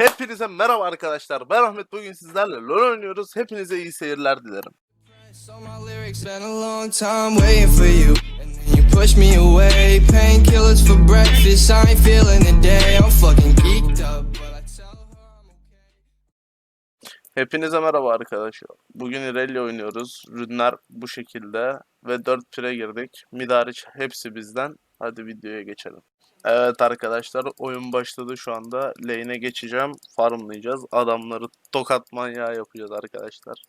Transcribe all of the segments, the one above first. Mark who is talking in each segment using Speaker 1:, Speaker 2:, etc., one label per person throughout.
Speaker 1: Hepinize merhaba arkadaşlar. Ben Ahmet. Bugün sizlerle LoL oynuyoruz. Hepinize iyi seyirler dilerim.
Speaker 2: So my lyrics been a long time waiting for you, and then you push me away. Painkillers for breakfast, I ain't feeling the day. I'm fucking geeked up, but I tell her I'm okay.
Speaker 1: Hepinize merhaba arkadaşlar. Bugün Irelia oynuyoruz. Rünler bu şekilde ve 4 pire girdik. Mid hariç hepsi bizden. Hadi videoya geçelim. Evet arkadaşlar, oyun başladı şu anda. Lane'e geçeceğim. Farmlayacağız. Adamları tokat manyağı yapacağız arkadaşlar.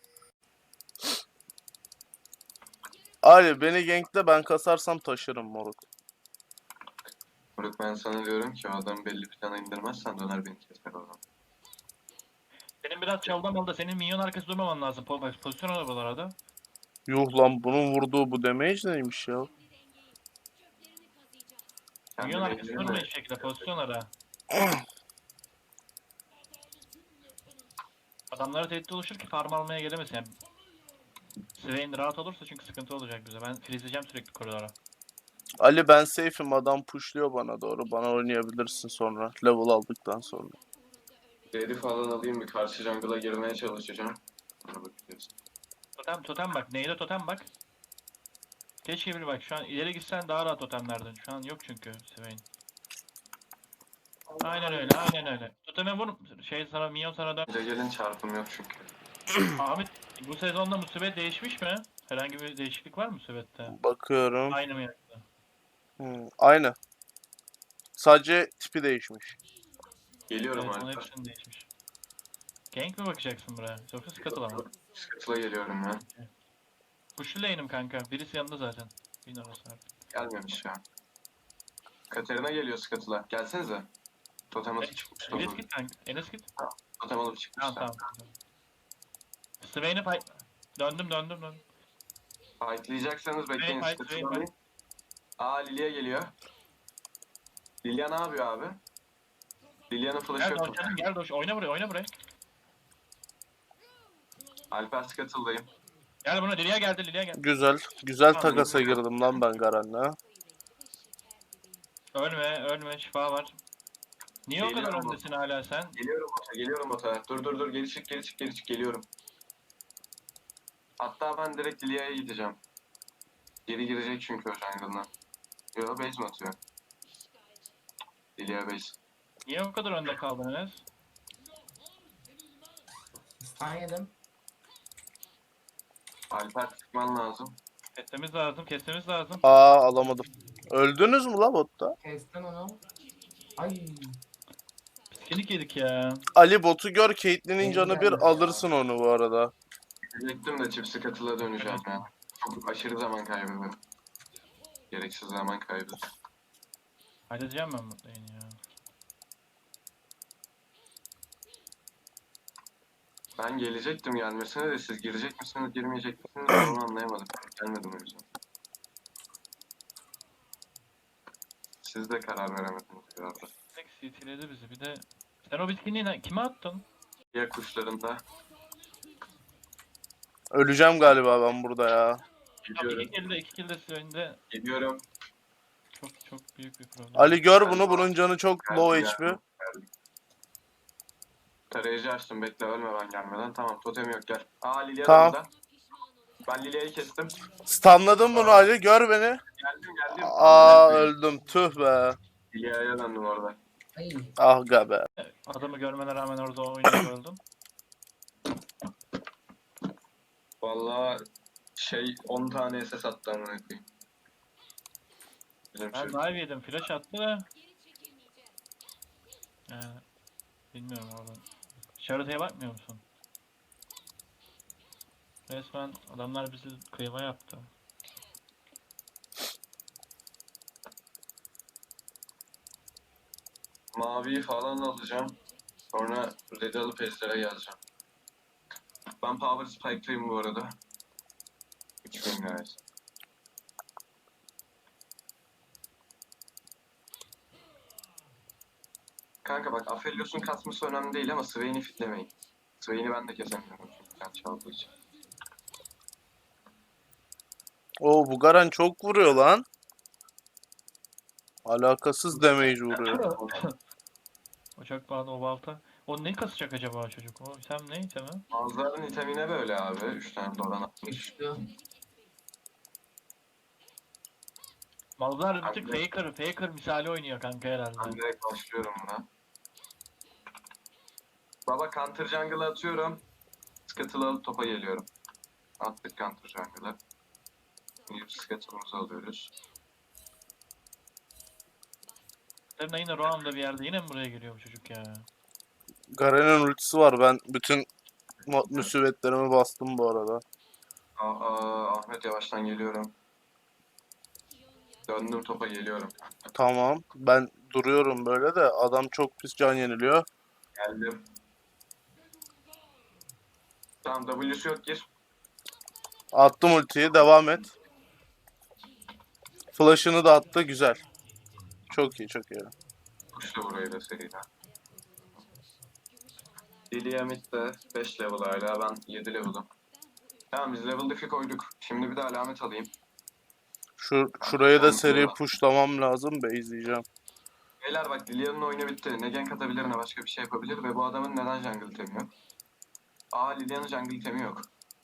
Speaker 1: Ali beni gankle, ben kasarsam taşırım moruk.
Speaker 3: Moruk ben sana diyorum ki o adam belli plana indirmezsen döner beni keser o zaman.
Speaker 4: Senin biraz çaldan aldı. Senin minyon arkası durmaman lazım. Pozisyon al buralarda.
Speaker 1: Yuh lan, bunun vurduğu bu damage neymiş ya?
Speaker 4: Minyon
Speaker 3: Kendime
Speaker 4: arkası
Speaker 3: geliyorum
Speaker 4: durma
Speaker 3: da
Speaker 4: hiç şekilde. Pozisyon ara. Adamlara tehdit oluşur ki farm almaya gelemesin. Yani Swain rahat olursa çünkü sıkıntı olacak bize. Ben freezleyeceğim sürekli koridora.
Speaker 1: Ali ben safe'im, adam pushluyor bana doğru. Bana oynayabilirsin sonra. Level aldıktan sonra.
Speaker 3: Ready falan alayım bir karşı jungle'a girmeye çalışacağım. Ona bakacağız.
Speaker 4: Totem bak. Neyde totem bak. Keşke bir bak. Şu an ileri gitsen daha rahat totemlerdin. Şu an yok çünkü Swain. Aynen öyle. Toteme vur. Sana minyon sana dön.
Speaker 3: Bize gelin çarpım yok çünkü.
Speaker 4: Ahmet bu sezonda musibet değişmiş mi? Herhangi bir değişiklik var mı musibette?
Speaker 1: Bakıyorum.
Speaker 4: Aynı mı yoksa?
Speaker 1: Aynı. Sadece tipi değişmiş.
Speaker 3: Geliyorum
Speaker 4: Evet, onun
Speaker 3: artık.
Speaker 4: hepsinin değişmiş. Gank mi bakacaksın buraya? Yoksa scuttle mı?
Speaker 3: Scuttle'a geliyorum ben.
Speaker 4: Push'lu lane'im kanka. Birisi yanında zaten. Bin orası artık.
Speaker 3: Gelmemiş ya. Katerina geliyor Scuttle'a. Gelsenize. Totem atıp çıkmış.
Speaker 4: Enes git kanka. Enes git.
Speaker 3: Totem alıp çıkmış.
Speaker 4: Tamam. Swain'e fight. Döndüm.
Speaker 3: Fightlayacaksanız bekleyin.
Speaker 4: Fight.
Speaker 3: Scuttle'ı alayım. Aa Lilia geliyor. Lilia ne yapıyor abi? Lilia'nın flash'ı
Speaker 4: Gel
Speaker 3: yok.
Speaker 4: doş canım gel doş. Oyna buraya.
Speaker 3: Alper Scuttle'dayım.
Speaker 4: Gel buna Lilia geldi.
Speaker 1: Güzel. Güzel
Speaker 4: Tamam,
Speaker 1: takasa girdim lan ben Garen'le.
Speaker 4: Ölme şifa var. Niye o kadar
Speaker 3: Geliyorum.
Speaker 4: öndesin hala sen?
Speaker 3: Geliyorum bota. Dur. Geri çık. Geliyorum. Hatta ben direkt Lilia'ya gideceğim. Geri girecek çünkü o jungle'dan. Yo base mi atıyor? Lilia base.
Speaker 4: Niye o kadar önde kaldın Enes?
Speaker 5: Stun yedim.
Speaker 3: Alper çıkman lazım.
Speaker 4: Kesmemiz lazım.
Speaker 1: Alamadım. Öldünüz mü la botta?
Speaker 5: Kestim onu. Ay.
Speaker 4: Piskelik yedik ya.
Speaker 1: Ali botu gör, Caitlyn'in canı bir, alırsın onu bu arada.
Speaker 3: Diyecektim de çift scuttle'a döneceğim ya. Çok aşırı zaman kaybı. Gereksiz zaman kaybı.
Speaker 4: Halledeceğim ben bu lane'i ya.
Speaker 3: Ben gelecektim gelmesine de siz girecek misiniz girmeyecek misiniz ben onu anlayamadım. Gelmedim o yüzden. Siz de karar veremediniz galiba.
Speaker 4: Tek CT'ledi bizi bir de. Sen o bitkinliği kime attın?
Speaker 3: Diğer kuşlarında
Speaker 1: Öleceğim galiba ben burada ya.
Speaker 4: Abi
Speaker 3: gidiyorum.
Speaker 4: iki kilde Swain'de
Speaker 3: Gidiyorum.
Speaker 4: çok büyük bir problem.
Speaker 1: Ali gör bunu, bunun canı çok low HP.
Speaker 3: Tarayıcı açtım bekle ölme ben gelmeden. Tamam totem yok gel. Aa Lilia
Speaker 1: Tamam.
Speaker 3: da burada. Ben Lilia'yı kestim.
Speaker 1: Stunladım bunu Ali, gör beni.
Speaker 3: Geldim.
Speaker 1: Öldüm, tüh be.
Speaker 3: Lilia'ya döndüm orada.
Speaker 5: Ay.
Speaker 1: Ah be.
Speaker 4: Adamı görmene rağmen orada oynayıp öldüm.
Speaker 3: Vallahi 10 tane SS attı amına koyayım. Bizim
Speaker 4: Ben
Speaker 3: şey.
Speaker 4: dive yedim, flash attı da. Bilmiyorum oradan. Haritaya bakmıyor musun? Resmen adamlar bizi kıyma yaptı.
Speaker 3: Maviyi falan alacağım. Sonra red'i alıp ejderha geleceğim. Ben power spike'lıyım bu arada. 3000 guys. Kanka bak Aphelios'un kasması önemli değil ama Swain'i fitlemeyin. Swain'i ben de kesemiyorum çünkü sen çaldığı için.
Speaker 1: Bu Garen çok vuruyor lan. Alakasız damage vuruyor.
Speaker 4: O çok pahalı o balta. O ne kasacak acaba çocuk? O item ne itemi?
Speaker 3: Bazılarının itemine böyle abi. 3 tane doran atmış.
Speaker 5: Güçlü.
Speaker 4: Mallar bir tık faker misali oynuyor kanka
Speaker 3: Ben
Speaker 4: herhalde.
Speaker 3: direkt başlıyorum buna. Baba counter jungle'ı atıyorum. Scuttle'ı alıp topa geliyorum. Attık counter jungle'ı. Şimdi Scuttle'ımızı alıyoruz.
Speaker 4: Katarina yine Roam'da bir yerde yine mi buraya geliyor bu çocuk ya?
Speaker 1: Garen'in ultisi var. Ben bütün musibetlerimi bastım bu arada.
Speaker 3: Ahmet yavaştan geliyorum. Döndüm topa geliyorum.
Speaker 1: Tamam. Ben duruyorum böyle de adam çok pis can yeniliyor.
Speaker 3: Geldim. Tamam W'su yok gir.
Speaker 1: Attım ultiyi. Devam et. Flash'ını da attı. Güzel. Çok iyi, çok iyi.
Speaker 3: Kuşla burayı da seriden. Lilia mid de 5 level hala, ben 7 level'ım. Tamam biz level diff'i koyduk. Şimdi bir de alamet alayım.
Speaker 1: Şurayı da seri pushlamam lazım. Base'leyeceğim.
Speaker 3: Beyler bak Lilia'nın oyunu bitti. Ne gank atabilir ne başka bir şey yapabilir ve bu adamın neden jungle itemi yok? Lilia'nın jungle itemi yok.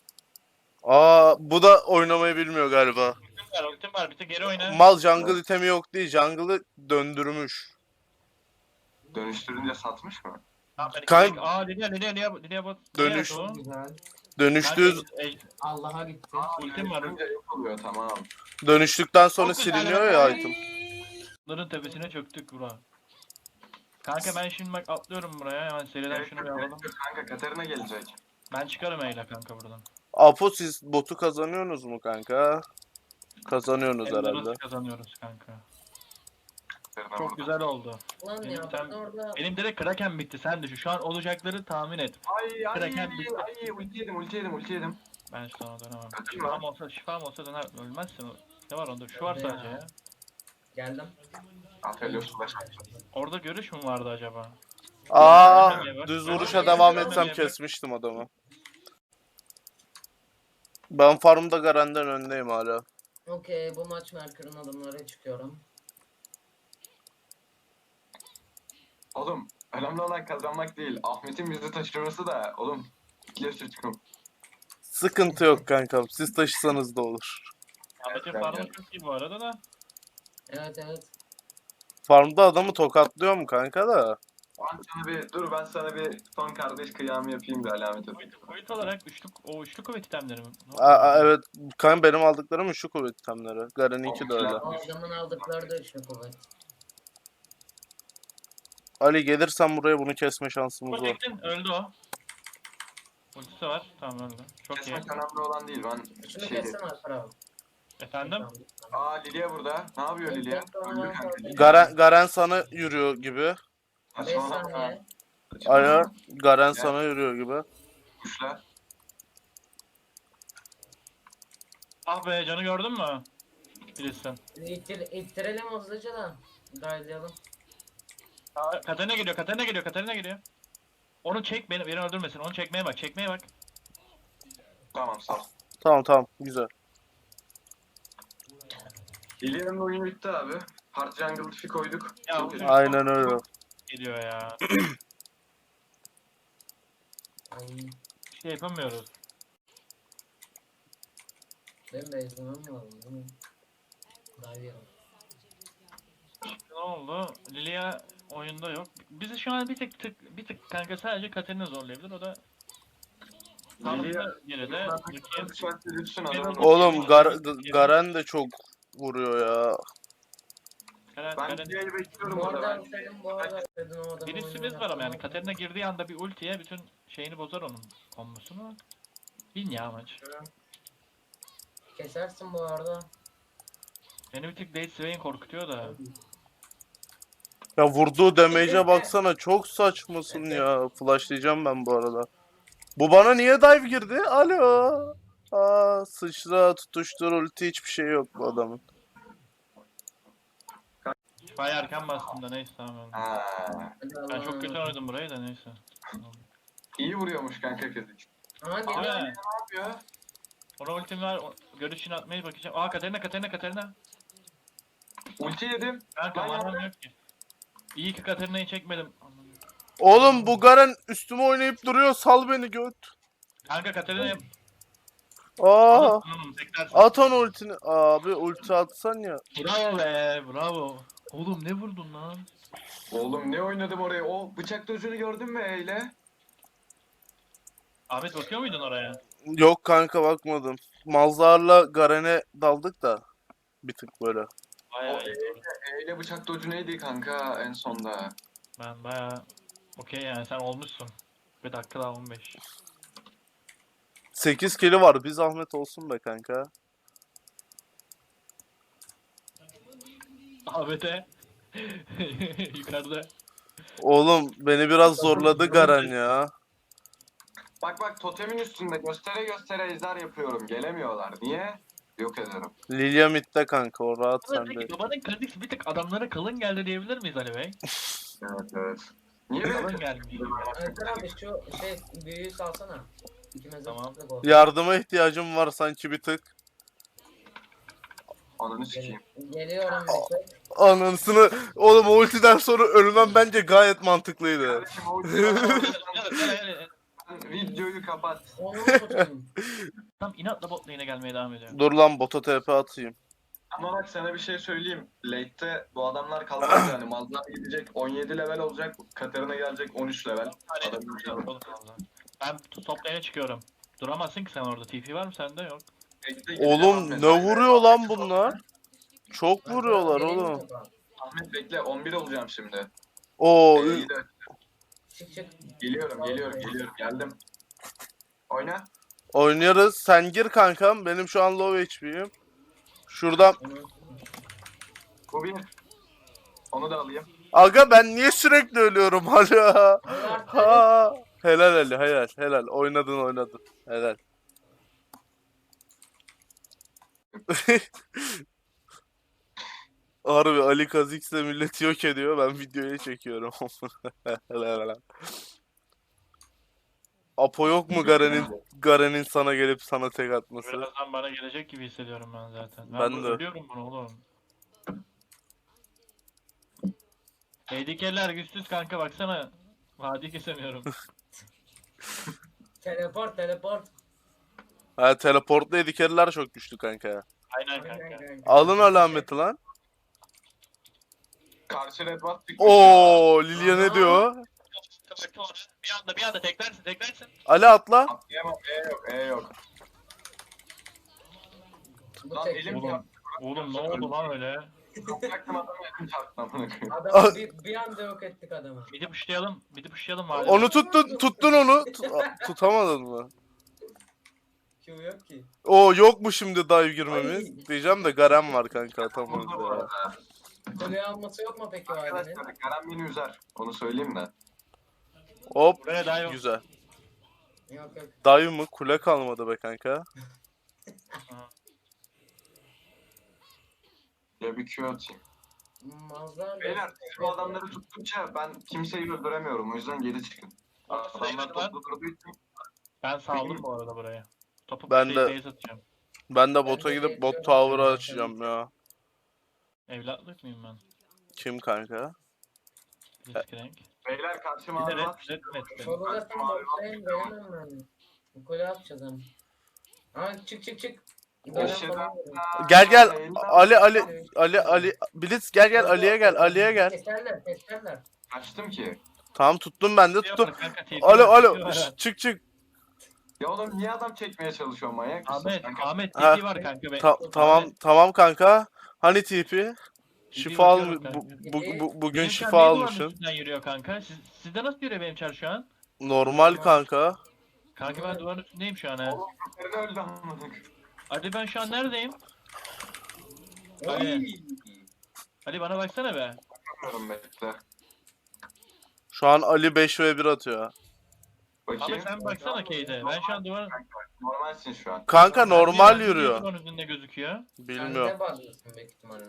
Speaker 1: Bu da oynamayı bilmiyor galiba.
Speaker 4: Ultim var bir tık geri oyna.
Speaker 1: Mal jungle itemi yok değil. Jungle'ı döndürmüş.
Speaker 3: Dönüştürünce satmış mı?
Speaker 1: Kan-
Speaker 4: Lilia bot.
Speaker 1: Dönüş-
Speaker 4: Nereye attı o?
Speaker 5: Güzel.
Speaker 1: Dönüştüğü
Speaker 5: Allah'a gitti.
Speaker 4: Ultim var.
Speaker 3: Dönüştürünce yok oluyor, tamam.
Speaker 1: dönüştükten sonra
Speaker 4: Çok güzel
Speaker 1: siliniyor
Speaker 4: bak.
Speaker 1: ya item.
Speaker 4: Bunların tepesine çöktük bura. Kanka ben şimdi bak atlıyorum buraya hemen seriden
Speaker 3: Gerek
Speaker 4: şunu
Speaker 3: yok,
Speaker 4: bir
Speaker 3: gerek
Speaker 4: alalım.
Speaker 3: yok. Kanka Katarina gelecek.
Speaker 4: Ben çıkarım eyle kanka buradan.
Speaker 1: Apo siz botu kazanıyorsunuz mu kanka? Kazanıyorsunuz herhalde.
Speaker 4: Ellerimizi kazanıyoruz kanka.
Speaker 3: Katarina
Speaker 4: Çok
Speaker 3: burada.
Speaker 4: güzel oldu.
Speaker 5: Lan
Speaker 4: Benim
Speaker 5: ya
Speaker 4: item-
Speaker 5: ben orada
Speaker 4: Benim direkt Kraken bitti sen düşün. Şu an olacakları tahmin et. Kraken bitti.
Speaker 3: Ulti yedim.
Speaker 4: Ben sana dönemem.
Speaker 3: Kaçın lan.
Speaker 4: Şifam olsa döner ölmezsin. Ne var onda? Şu var
Speaker 5: Hadi ya.
Speaker 4: sadece ya.
Speaker 5: geldim.
Speaker 3: Aphelios flash.
Speaker 4: Orada görüş mü vardı acaba?
Speaker 1: Düz vuruşa devam etsem kesmiştim adamı. Ben farmda Garen'den öndeyim hala.
Speaker 5: Okey bu maç Merkür'ün adımları çıkıyorum.
Speaker 3: Oğlum önemli olan kazanmak değil. Ahmet'in bizi taşırması da oğlum. İkiye çıkım.
Speaker 1: Sıkıntı yok kankam. Siz taşısanız da olur.
Speaker 4: Ahmet'in
Speaker 3: ben
Speaker 4: farmı
Speaker 3: geldim.
Speaker 4: çok iyi bu arada da.
Speaker 5: Evet.
Speaker 1: Farmda adamı tokatlıyor mu kanka da?
Speaker 3: Ben sana bir son kardeş kıyamı yapayım bir alamet edeyim.
Speaker 4: Boyut olarak üçlü kuvvet itemleri mi?
Speaker 1: Evet. Kanka benim aldıklarım şu kuvvet itemleri. Garen'inki de öyle.
Speaker 5: O adamın aldıkları da üçlü kuvvet.
Speaker 1: Ali gelirsen buraya bunu kesme şansımız var.
Speaker 4: Protect'in öldü o. Ultisi var. Tamam öldü. Çok iyi.
Speaker 3: Kesmek önemli olan değil. Ben
Speaker 5: Şunu kessene Alper abi.
Speaker 4: Efendim?
Speaker 3: Lilia burada. Ne yapıyor Lilia? Öldü kanka.
Speaker 1: Garen sana yürüyor gibi.
Speaker 5: 5
Speaker 3: Saçmalama.
Speaker 5: saniye.
Speaker 1: Alo. Garen sana yürüyor gibi.
Speaker 3: Kuşla.
Speaker 4: Ah be canı gördün mü? Bilirsin.
Speaker 5: İttirelim hızlıca da. Dayılayalım.
Speaker 4: Katarina geliyor. Onu çek beni öldürmesin. Onu çekmeye bak.
Speaker 3: Tamam sağ ol.
Speaker 1: Tamam. Güzel.
Speaker 3: Lilia'nın oyunu bitti abi. Hard Jungle Diff'i koyduk.
Speaker 4: Ya,
Speaker 3: Çok iyi.
Speaker 1: Aynen öyle.
Speaker 4: Geliyor ya.
Speaker 5: Ay
Speaker 4: Bir şey yapamıyoruz.
Speaker 5: benim de izlemem lazım değil mi? Dayılayalım.
Speaker 4: Ne oldu? Lilia oyunda yok. Bizi şu an bir tık kanka sadece Katarina zorlayabilir. O da
Speaker 3: Lilia-
Speaker 4: sağlıklı geride.
Speaker 3: Lütfen adamın-
Speaker 1: Oğlum Garen de çok vuruyor ya.
Speaker 3: Ben Lilia'yı bekliyorum
Speaker 5: Bu
Speaker 3: burada.
Speaker 5: arada senin bu arada dedin o adamın
Speaker 4: Birisi
Speaker 5: oyunu
Speaker 4: biz var ama yani
Speaker 5: yaptın.
Speaker 4: Katarina girdiği anda bir ultiye bütün şeyini bozar onun kombosunu. Bin ya maç.
Speaker 5: Kesersin bu arada.
Speaker 4: Beni bir tık Date Swain korkutuyor da.
Speaker 1: Ya vurduğu damage'e baksana çok saçmasın ya. Flashlayacağım ben bu arada. Bu bana niye dive girdi? Alo. Sıçra, tutuştur, ulti hiçbir şey yok bu adamın.
Speaker 4: Bayağı erken bastım da neyse tamam öyle.
Speaker 3: Ha,
Speaker 5: Hadi
Speaker 4: Ben
Speaker 5: Allah'a
Speaker 4: çok kötü
Speaker 5: emanet.
Speaker 4: oynadım burayı da neyse.
Speaker 3: iyi vuruyormuş kanka kız.
Speaker 5: Aha
Speaker 4: Abi
Speaker 5: geliyor.
Speaker 3: Ne yapıyor?
Speaker 4: ona ultim var. Görüşünü atmaya bakacağım. Katarina.
Speaker 3: Ulti yedim.
Speaker 4: Kanka
Speaker 3: Ben
Speaker 4: manam
Speaker 3: yaptım.
Speaker 4: yok ki. İyi ki Katarina'yı çekmedim. Anladım.
Speaker 1: Oğlum bu Garen üstüme oynayıp duruyor. Sal beni göt.
Speaker 4: Kanka Katarina'ya
Speaker 1: Aa,
Speaker 4: teklersin.
Speaker 1: at onu ultini. Abi ulti atsan ya.
Speaker 4: Bravo be, bravo. Oğlum ne vurdun lan?
Speaker 3: Oğlum ne oynadım oraya? O bıçak dojunu gördün mü Eyle?
Speaker 4: Ahmet bakıyor muydun oraya?
Speaker 1: Yok kanka bakmadım. Malzar'la Garen'e daldık da. Bir tık böyle.
Speaker 4: Bayağı iyi.
Speaker 3: Eyle bıçak doju neydi kanka en sonda?
Speaker 4: Ben bayağı okey yani sen olmuşsun. Bir dakika daha 15.
Speaker 1: 8 kili var. Bir zahmet olsun be kanka.
Speaker 4: Ahmet'e yukarıda.
Speaker 1: Oğlum beni biraz zorladı Garen ya.
Speaker 3: Bak bak totemin üstünde göstere göstere ejder yapıyorum. Gelemiyorlar. Niye? Yok ederim.
Speaker 1: Lilia midde kanka o rahat
Speaker 4: Ama
Speaker 1: sende.
Speaker 4: peki babanın kredisi bir tık adamlara kalın geldi diyebilir miyiz Ali Bey?
Speaker 3: Evet evet. Niye
Speaker 4: Kalın
Speaker 3: böyle
Speaker 4: geldi.
Speaker 5: Erkan abi şu büyüyü salsana. İkimiz de
Speaker 4: Tamam.
Speaker 5: tuttuk o.
Speaker 1: Yardıma ihtiyacım var sanki bir tık.
Speaker 3: Ananı sikeyim.
Speaker 5: Geliyorum bir tek.
Speaker 1: Anasını. Oğlum o ultiden sonra ölmem bence gayet mantıklıydı.
Speaker 3: Kardeşim o videoyu kapat.
Speaker 5: Onu mu tutayım?
Speaker 4: Tam inatla bot lane'e gelmeye devam ediyor.
Speaker 1: Dur lan bota TP atayım.
Speaker 3: Ama bak sana bir şey söyleyeyim. Late'te bu adamlar kalmaz yani. Malzar gidecek 17 level olacak. Katarina gelecek 13 level.
Speaker 4: Ben top lane'e çıkıyorum. Duramazsın ki sen orada. TP var mı sende? Yok.
Speaker 1: Oğlum ne vuruyor lan bunlar? Çok vuruyorlar
Speaker 5: Geleyim mi
Speaker 1: oğlum.
Speaker 5: topa?
Speaker 3: Ahmet bekle 11 olacağım şimdi.
Speaker 1: Oo
Speaker 3: İyi de
Speaker 5: Çık çık.
Speaker 3: geliyorum geldim. Oyna.
Speaker 1: oynuyoruz. Sen gir kankam. Benim şu an low HP'yim. Şuradan.
Speaker 5: Onu-
Speaker 3: Bu bir. Onu da alayım.
Speaker 1: Aga ben niye sürekli ölüyorum hala?
Speaker 5: Allah
Speaker 1: Ha. Helal Ali helal. Oynadın. Helal. Harbi Ali Kazix de milleti yok ediyor. Ben videoya çekiyorum. Helal. Apo yok mu Garen'in sana gelip sana tek atması?
Speaker 4: Birazdan bana gelecek gibi hissediyorum ben zaten.
Speaker 1: Ben de.
Speaker 4: Ölüyorum bunu oğlum. Tehdikeler güçsüz kanka baksana. Vadi kesemiyorum.
Speaker 5: Teleport.
Speaker 1: Ha teleportlu edikeriler çok güçlü kanka.
Speaker 4: Aynen kanka.
Speaker 1: Alın alameti lan.
Speaker 3: Karşı red buff çıkmış.
Speaker 1: Oo Lilia ne diyor?
Speaker 4: Bir anda teklersin.
Speaker 1: Ali atla.
Speaker 3: Atlayamam. E yok.
Speaker 5: Bu
Speaker 3: Lan
Speaker 5: tek.
Speaker 3: elim
Speaker 4: Oğlum,
Speaker 3: çarptı.
Speaker 4: oğlum ne oldu lan öyle?
Speaker 3: Yapacaktım adamı elim çarptı amına koyayım.
Speaker 5: Adamı bir anda yok ettik adamı.
Speaker 4: Midi pushlayalım vadi.
Speaker 1: Onu tuttun onu. Tutamadın mı?
Speaker 5: Q yok ki.
Speaker 1: O yok mu şimdi dive girmemiz?
Speaker 5: Ay.
Speaker 1: Diyeceğim de Garen var kanka atamayız
Speaker 3: Burada bu
Speaker 1: ya.
Speaker 3: arada.
Speaker 5: Kule alması yok mu peki o ailenin?
Speaker 3: Arkadaşlar Garen beni üzer. Onu söyleyeyim de.
Speaker 1: Hop
Speaker 4: Buraya dive.
Speaker 1: güzel.
Speaker 5: Yok.
Speaker 1: Dive mı? Kule kalmadı be kanka.
Speaker 3: Ya bir Q atayım.
Speaker 5: Mazlar
Speaker 3: Beyler siz bu adamları tuttukça ben kimseyi öldüremiyorum. O yüzden geri çıkın. Adamlar toplu durduğu için
Speaker 4: Ben saldım bu arada buraya. Topu
Speaker 1: Ben de-
Speaker 4: pushlayıp base atacağım.
Speaker 1: Ben de bota
Speaker 5: de
Speaker 1: gidip bot
Speaker 5: geçiyorum
Speaker 1: tower'ı
Speaker 5: zaten.
Speaker 1: açacağım ya.
Speaker 4: Evlatlık mıyım ben?
Speaker 1: Kim kanka?
Speaker 4: Discrank.
Speaker 3: Beyler karşı
Speaker 4: Bir de
Speaker 3: mavi
Speaker 4: red
Speaker 3: var.
Speaker 4: metti.
Speaker 5: Şurada tam bottayım veremem ben. Bu kule atacağız hem. Ha çık. Garen
Speaker 3: Eşhedü
Speaker 5: falan
Speaker 3: en
Speaker 1: Gel
Speaker 3: la
Speaker 1: Ali Blitz gel Ali'ye gel.
Speaker 5: Keserler.
Speaker 3: Kaçtım ki.
Speaker 1: Tamam tuttum ben de tuttum.
Speaker 4: Kanka, TP
Speaker 1: Alo
Speaker 4: var.
Speaker 1: çık.
Speaker 3: Ya oğlum niye adam çekmeye çalışıyor manyak mısın?
Speaker 4: Ahmet
Speaker 1: Ha.
Speaker 4: TP var kanka.
Speaker 1: Tamam kanka. Hani TP? Şifa
Speaker 4: bakıyorum kanka.
Speaker 1: bugün
Speaker 4: Benim
Speaker 1: şifa
Speaker 4: çar niye duvarın
Speaker 1: almışsın.
Speaker 4: üstünden yürüyor kanka. Sizde nasıl yürüyor benim çar şu an?
Speaker 1: Normal kanka.
Speaker 4: Kanka ben duvarın üstündeyim şu an ha.
Speaker 3: Oğlum köpeğini öldü amına.
Speaker 4: Hadi ben şu an neredeyim? Ali bana baksana be.
Speaker 3: Bakıyorum bekle.
Speaker 1: Şu an Ali 5v1 atıyor.
Speaker 3: Bakayım.
Speaker 4: Abi sen baksana Kate'e. Ben şu an duvarın...
Speaker 3: Normalsin şu an.
Speaker 1: Kanka normal
Speaker 4: Niye
Speaker 1: yürüyor.
Speaker 4: duvarın üstünde gözüküyor?
Speaker 1: Bilmiyorum.
Speaker 5: Sen de bağlıyorsun büyük ihtimalle.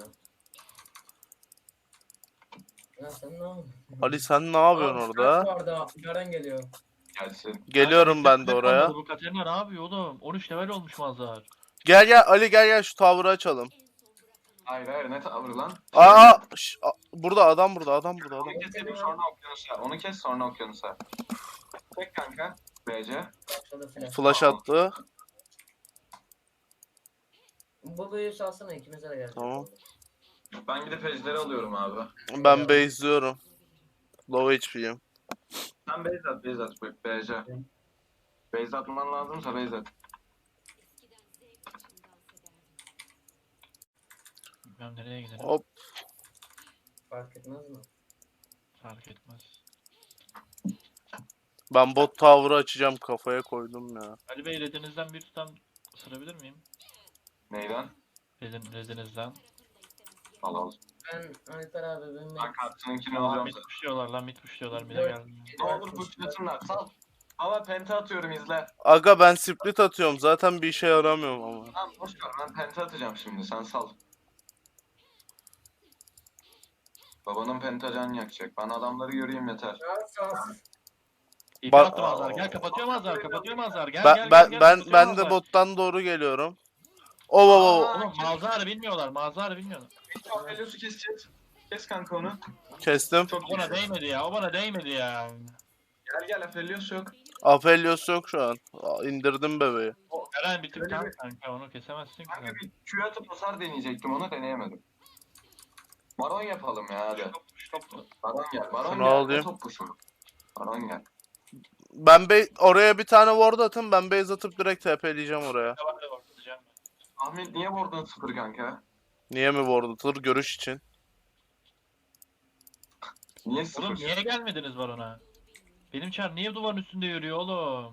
Speaker 5: Ya sen ne yapıyorsun?
Speaker 1: Ali sen ne yapıyorsun orada?
Speaker 5: Orada Garen geliyor.
Speaker 3: Gelsin.
Speaker 1: Geliyorum ben de
Speaker 4: Kanka,
Speaker 1: oraya.
Speaker 4: Bu Katerina ne yapıyor oğlum? 13 level olmuş Mazhar.
Speaker 1: Gel Ali gel şu tower'ı açalım.
Speaker 3: Hayır ne tavır lan?
Speaker 1: Burada adam burada.
Speaker 3: Onu keselim sonra okyanusa. Onu kes sonra okyanusa. Tek kanka. BC.
Speaker 5: Başladı flash.
Speaker 1: Flash attı.
Speaker 5: Bulu'yu salsana ikimize de geldi.
Speaker 1: Tamam.
Speaker 3: Ben gidip ejderi alıyorum abi.
Speaker 1: Ben base'liyorum. Low HP'yim.
Speaker 3: Sen base at BC. Base atman lazımsa base at.
Speaker 4: Bilmem nereye gidelim.
Speaker 1: Hop.
Speaker 5: Fark etmez mi?
Speaker 4: Fark etmez.
Speaker 1: Ben bot tower'ı açacağım, kafaya koydum ya.
Speaker 4: Ali Bey redinizden bir tutam ısırabilir miyim?
Speaker 3: Neyden?
Speaker 4: Redinizden.
Speaker 3: Al al.
Speaker 5: Ben Alper abi benim
Speaker 3: Ben kartınınkini
Speaker 4: Aa,
Speaker 3: alacağım.
Speaker 4: mid pushluyorlar lan mid pushluyorlar mid'e
Speaker 5: Dört.
Speaker 4: geldim.
Speaker 3: Ne olur pushlasınlar sal. Ama penta atıyorum izle.
Speaker 1: Aga ben split atıyorum, zaten bir işe yaramıyorum ama.
Speaker 3: Tamam boş ver ben penta atacağım şimdi sen sal. Babanın pentacan yakacak. Ben adamları göreyim yeter.
Speaker 4: İyi
Speaker 1: Bak-
Speaker 4: kapattım Azar. Gel kapatıyorum Azar. Gel
Speaker 1: Ben
Speaker 4: gel
Speaker 1: ben
Speaker 4: gel.
Speaker 1: ben
Speaker 4: kapatıyorum
Speaker 1: ben de
Speaker 4: Azar.
Speaker 1: bottan doğru geliyorum. Oo.
Speaker 4: Oğlum mağazarı bilmiyorlar.
Speaker 3: Aphelios'u keseceğiz. Kes kanka onu.
Speaker 1: Kestim.
Speaker 3: Çok
Speaker 4: O bana değmedi ya.
Speaker 3: Gel Aphelios yok.
Speaker 1: Aphelios yok şu an. İndirdim bebeği.
Speaker 4: Eren bir tık
Speaker 3: Öyle
Speaker 4: tam
Speaker 3: bir-
Speaker 4: kanka onu kesemezsin ki
Speaker 3: Kanka
Speaker 4: sen.
Speaker 3: bir Q atıp hasar deneyecektim onu deneyemedim. Baron yapalım ya hadi. Baron gel. Baron
Speaker 1: Şunu
Speaker 3: gel.
Speaker 1: alayım.
Speaker 3: Ne top kuşu? Baron gel.
Speaker 1: Ben oraya bir tane ward atın, ben base atıp direkt TP'leyeceğim oraya.
Speaker 3: Ahmet niye vurdun 0 kanka?
Speaker 1: Niye mi ward atılır? Görüş için.
Speaker 3: Niye
Speaker 4: Oğlum
Speaker 3: 0?
Speaker 4: niye gelmediniz barona? Benim çar niye duvarın üstünde yürüyor oğlum?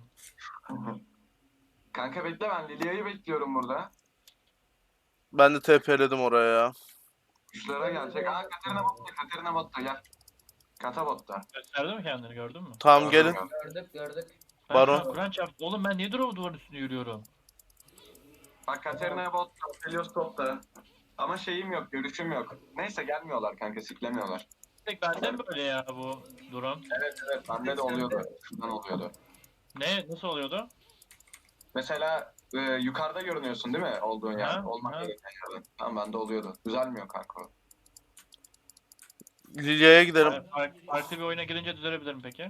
Speaker 3: Kanka bekle ben Lilia'yı bekliyorum burada.
Speaker 1: Ben de TP'ledim oraya ya.
Speaker 3: Kuşlara gelecek. Katerina botta gel. Kata botta.
Speaker 4: Gösterdi mi kendini gördün mü?
Speaker 1: Tamam gelin.
Speaker 5: Gördük.
Speaker 4: Ben
Speaker 1: Baron.
Speaker 4: şu an Kur'an çarptı. Oğlum ben niye duvarın üstünde yürüyorum?
Speaker 3: Bak Katerina botta. Helios topta. Ama şeyim yok, görüşüm yok. Neyse gelmiyorlar kanka, siklemiyorlar.
Speaker 4: Tek bende mi böyle ya bu durum?
Speaker 3: Evet, bende de oluyordu. Şuradan oluyordu.
Speaker 4: Ne? Nasıl oluyordu?
Speaker 3: Mesela yukarıda görünüyorsun değil mi olduğun yer?
Speaker 4: Ha,
Speaker 3: Olmak
Speaker 4: ha.
Speaker 3: gereken yerden. Tamam bende oluyordu. Düzelmiyor kanka o.
Speaker 1: Lilya'ya gidelim.
Speaker 4: Farklı bir oyuna girince düzelebilirim peki.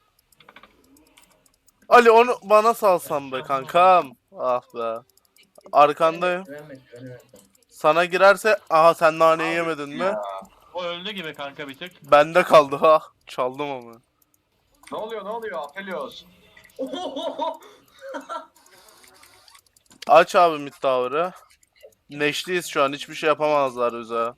Speaker 1: Ali onu bana salsan be kankam. Ah be. Arkandayım.
Speaker 5: Güvenmedim.
Speaker 1: Sana girerse aha sen naneyi yemedin mi?
Speaker 3: Ya,
Speaker 4: O öldü gibi kanka bir tık.
Speaker 1: Bende kaldı ha. Çaldım ama.
Speaker 3: ne oluyor? Aphelios.
Speaker 1: Aç abi mid tower'ı. Neşliyiz şu an, hiçbir şey yapamazlar bize.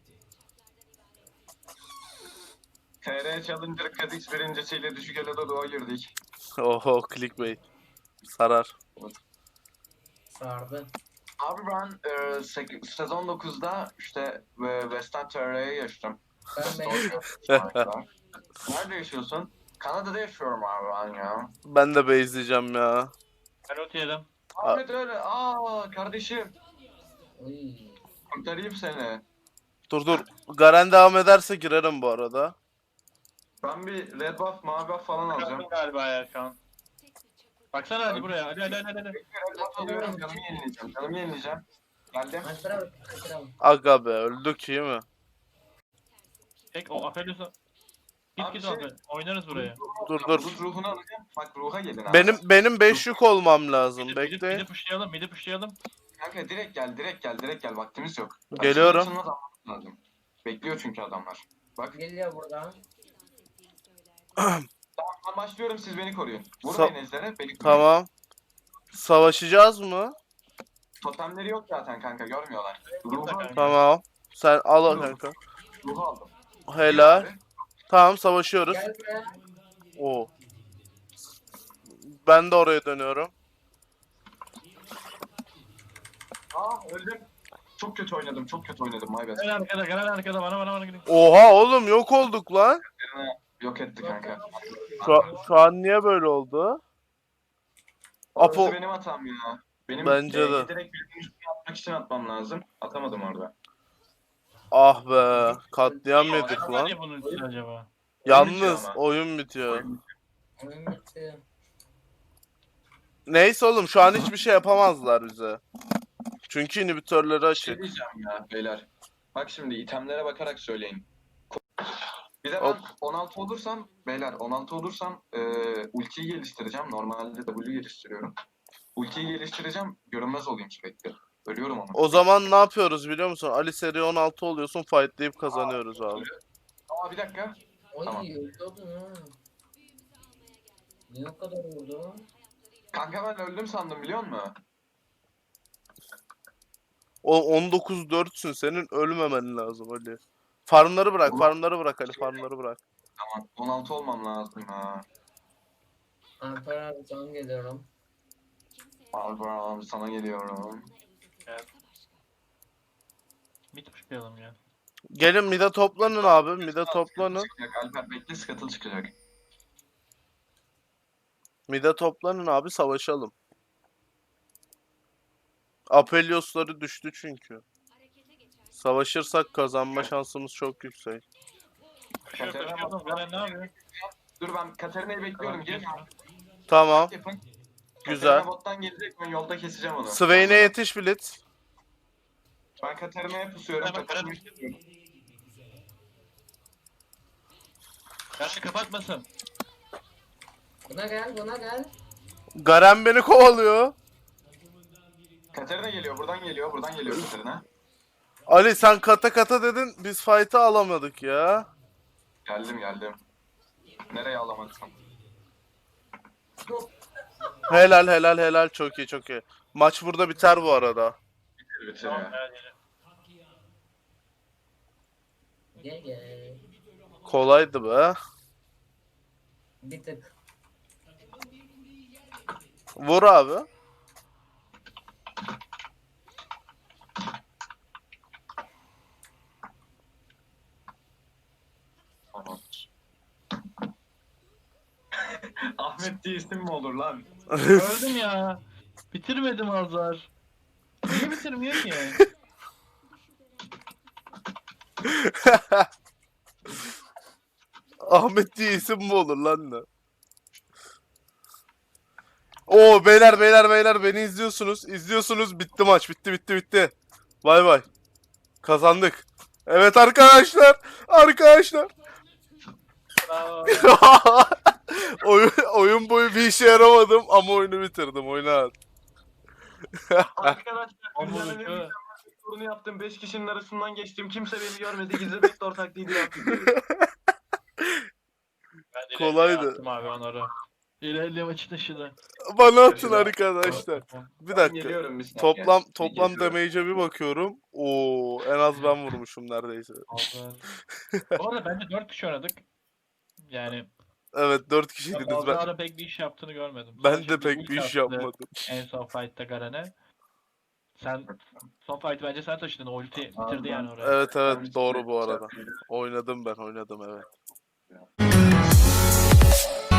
Speaker 3: TR Challenger Kadix birincisiyle düşük elede doğa girdik.
Speaker 1: Oho clickbait. Sarar.
Speaker 5: Sardı.
Speaker 3: Abi ben sezon 9'da işte Western TR'ye geçtim.
Speaker 5: Ben
Speaker 3: Nerede yaşıyorsun? Kanada'da yaşıyorum abi ben ya.
Speaker 1: Ben de base'leyeceğim ya.
Speaker 4: Ben ulti yedim.
Speaker 3: Ahmet öyle. Kardeşim.
Speaker 5: Uy.
Speaker 3: Kurtarayım seni.
Speaker 1: Dur. Garen devam ederse girerim bu arada.
Speaker 3: Ben bir red buff, mavi buff falan alacağım.
Speaker 4: Yaptım galiba ya şu an. Baksana hadi buraya. Hadi.
Speaker 3: Red buff alıyorum, canımı yenileyeceğim. Geldim.
Speaker 5: Alper abi.
Speaker 1: Aga be öldük iyi mi?
Speaker 4: Tek o Aphelios'a.
Speaker 3: Abi
Speaker 4: Git
Speaker 3: şey-
Speaker 4: abi. Oynarız buraya.
Speaker 1: Dur.
Speaker 3: Bulut ruhunu alacağım. Bak ruha gelin abi.
Speaker 1: Benim 5 yük olmam lazım. Bekle.
Speaker 4: Midi pushlayalım.
Speaker 3: Kanka direkt gel. Vaktimiz yok.
Speaker 1: Geliyorum.
Speaker 3: Açılmaz almamız lazım. Bekliyor çünkü adamlar. Bak
Speaker 5: Geliyor burada.
Speaker 3: ben başlıyorum siz beni koruyun.
Speaker 1: Sa-
Speaker 3: Vurmayın ejderha beni koruyun.
Speaker 1: Tamam. Savaşacağız mı?
Speaker 3: Totemleri yok zaten kanka görmüyorlar.
Speaker 4: Burada kanka.
Speaker 1: Tamam. Sen al kanka.
Speaker 3: Ruhu aldım.
Speaker 1: Helal.
Speaker 3: Abi,
Speaker 1: Tamam savaşıyoruz.
Speaker 5: Gel buraya.
Speaker 1: Oo. Ben de oraya dönüyorum.
Speaker 3: öldüm. Çok kötü oynadım my bad.
Speaker 4: Gel arkada bana gidin.
Speaker 1: Oha oğlum yok olduk lan.
Speaker 3: Yok etti kanka.
Speaker 1: Şu an niye böyle oldu? Apo
Speaker 3: Orası benim hatam ya. Benim
Speaker 1: Bence de.
Speaker 3: direkt bir atmak için atmam lazım. Atamadım orada.
Speaker 1: ah be katliam yedik
Speaker 4: Acaba
Speaker 1: lan.
Speaker 4: niye bunun için acaba?
Speaker 1: Yalnız
Speaker 3: ama.
Speaker 1: oyun bitiyor.
Speaker 5: Oyun bitti.
Speaker 1: Neyse oğlum şu an hiçbir şey yapamazlar bize. Çünkü inhibitörleri
Speaker 3: Bir şey
Speaker 1: açık.
Speaker 3: diyeceğim ya beyler. Bak şimdi itemlere bakarak söyleyin. Bir de
Speaker 1: Hop.
Speaker 3: ben 16 olursam beyler 16 olursam ultiyi geliştireceğim. Normalde W geliştiriyorum. Ultiyi geliştireceğim. Görünmez olayım sürekli. Ölüyorum ama.
Speaker 1: O zaman ne yapıyoruz biliyor musun? Ali seri 16 oluyorsun, fightlayıp kazanıyoruz abi.
Speaker 3: Aa bir dakika.
Speaker 5: Oy
Speaker 3: Tamam.
Speaker 5: öldürdün ha. Niye o kadar vurdu?
Speaker 3: Kanka ben öldüm sandım biliyor musun?
Speaker 1: O 19-4'sün, senin ölmemen lazım Ali. Farmları bırak, farmları bırak Ali, farmları bırak.
Speaker 3: Tamam. 16 olmam lazım ha.
Speaker 5: Alper abi can geliyorum.
Speaker 3: Abi sana geliyorum.
Speaker 4: Mid pushlayalım ya.
Speaker 1: Gelin mid'e toplanın abi, mid'e toplanın.
Speaker 3: Çıkacak, Alper bekle Scuttle çıkacak.
Speaker 1: Mid'e toplanın abi, savaşalım. Apeliosları düştü çünkü. Savaşırsak kazanma şansımız çok yüksek.
Speaker 4: Koşuyorum. Garen ne yapıyor?
Speaker 3: Dur ben Katarina'yı bekliyorum. Gelin
Speaker 1: Tamam,
Speaker 3: yapın.
Speaker 1: güzel.
Speaker 3: Katarina bottan gelecek ben yolda keseceğim onu.
Speaker 1: Swain'e yetiş Blitz.
Speaker 3: Ben Katarina'ya pusuyorum.
Speaker 4: Hemen
Speaker 3: Katarina'yı pusuyorum.
Speaker 4: Karşı kapatmasın.
Speaker 5: Buna gel buna gel.
Speaker 1: Garen beni kovalıyor.
Speaker 3: Katarina geliyor. Buradan geliyor. Buradan geliyor Katarina.
Speaker 1: Ali sen kata kata dedin, biz fight'ı alamadık ya.
Speaker 3: Geldim. Nereye alamadım?
Speaker 1: Helal helal helal, çok iyi çok iyi. Maç burada biter bu arada.
Speaker 3: Bitir ya.
Speaker 5: Gel gel.
Speaker 1: Kolaydı be.
Speaker 5: Bir tık.
Speaker 1: Vur abi.
Speaker 3: Tamam. Ahmet diye isim mi olur lan?
Speaker 4: Öldüm ya. Bitirmedim Azar. Niye bitirmiyor ki?
Speaker 1: Ahmet diye isim mi olur lan ne? Oo beyler beni izliyorsunuz. İzliyorsunuz, bitti maç, bitti. Bay bay. Kazandık. Evet arkadaşlar.
Speaker 4: Bravo.
Speaker 1: oyun boyu bir işe yaramadım ama oyunu bitirdim. Oyna.
Speaker 3: Arkadaşlar
Speaker 4: Ama
Speaker 3: dünyanın en
Speaker 4: bu-
Speaker 3: mükemmel sorunu yaptım. 5 kişinin arasından geçtim. Kimse beni görmedi. Gizli backdoor taklidi yaptım.
Speaker 4: Ben de
Speaker 1: Kolaydı.
Speaker 4: ilerleye attım abi onları. İlerleye maçı taşıdı.
Speaker 1: Bana atın arkadaşlar. Bir
Speaker 3: Ben
Speaker 1: dakika.
Speaker 3: geliyorum bir saniye.
Speaker 1: Toplam
Speaker 3: Geliyorum.
Speaker 1: damage'e bir bakıyorum. Oo, en az ben vurmuşum neredeyse.
Speaker 4: Azar. Bu arada bence 4 kişi oynadık. Yani
Speaker 1: Evet 4 kişiydiniz. Ben,
Speaker 4: Azar'ın pek bir iş yaptığını görmedim.
Speaker 1: ben
Speaker 4: Sadece
Speaker 1: de pek
Speaker 4: ult
Speaker 1: bir iş
Speaker 4: attı
Speaker 1: yapmadım.
Speaker 4: En son fight'ta Garen'e. Sen son fight'ı bence sen taşıdın. O ulti bitirdi yani oraya.
Speaker 1: Evet
Speaker 3: Ben
Speaker 1: doğru bu arada.
Speaker 3: bir-
Speaker 1: Oynadım evet.